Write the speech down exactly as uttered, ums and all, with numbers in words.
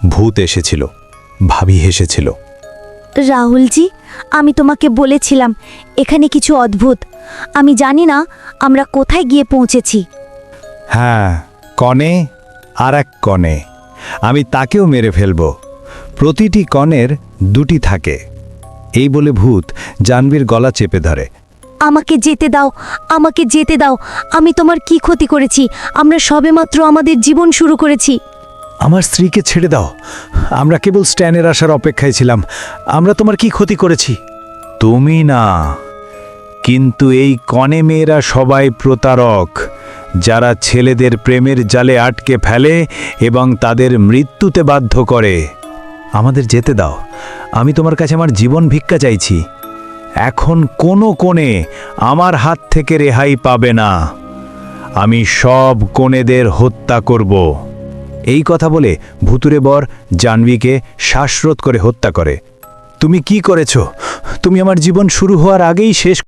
ভূত এসেছিল, ভাবি হেসেছিল। রাহুলজি, আমি তোমাকে বলেছিলাম এখানে কিছু অদ্ভুত। আমি জানি না আমরা কোথায় গিয়ে পৌঁছেছি। হ্যাঁ, কনে আর এক কনে, আমি তাকেও মেরে ফেলব। প্রতিটি কনের দুটি থাকে। এই বলে ভূত জাহ্নবীর গলা চেপে ধরে। আমাকে যেতে দাও, আমাকে যেতে দাও। আমি তোমার কি ক্ষতি করেছি? আমরা সবেমাত্র আমাদের জীবন শুরু করেছি। আমার স্ত্রীকে ছেড়ে দাও, আমরা কেবল স্ট্যানের আসার অপেক্ষায় ছিলাম। আমরা তোমার কি ক্ষতি করেছি? তুমি না, কিন্তু এই কনে মেয়েরা সবাই প্রতারক, যারা ছেলেদের প্রেমের জালে আটকে ফেলে এবং তাদের মৃত্যুতে বাধ্য করে। আমাদের যেতে দাও, আমি তোমার কাছে আমার জীবন ভিক্ষা চাইছি। এখন কোনো কোণে আমার হাত থেকে রেহাই পাবে না। আমি সব কোণেদের হত্যা করব। এই কথা বলে ভুতুরে বর জাহ্নবীকে শ্বাসরোধ করে হত্যা করে। তুমি কি করেছ? তুমি আমার জীবন শুরু হওয়ার আগেই শেষ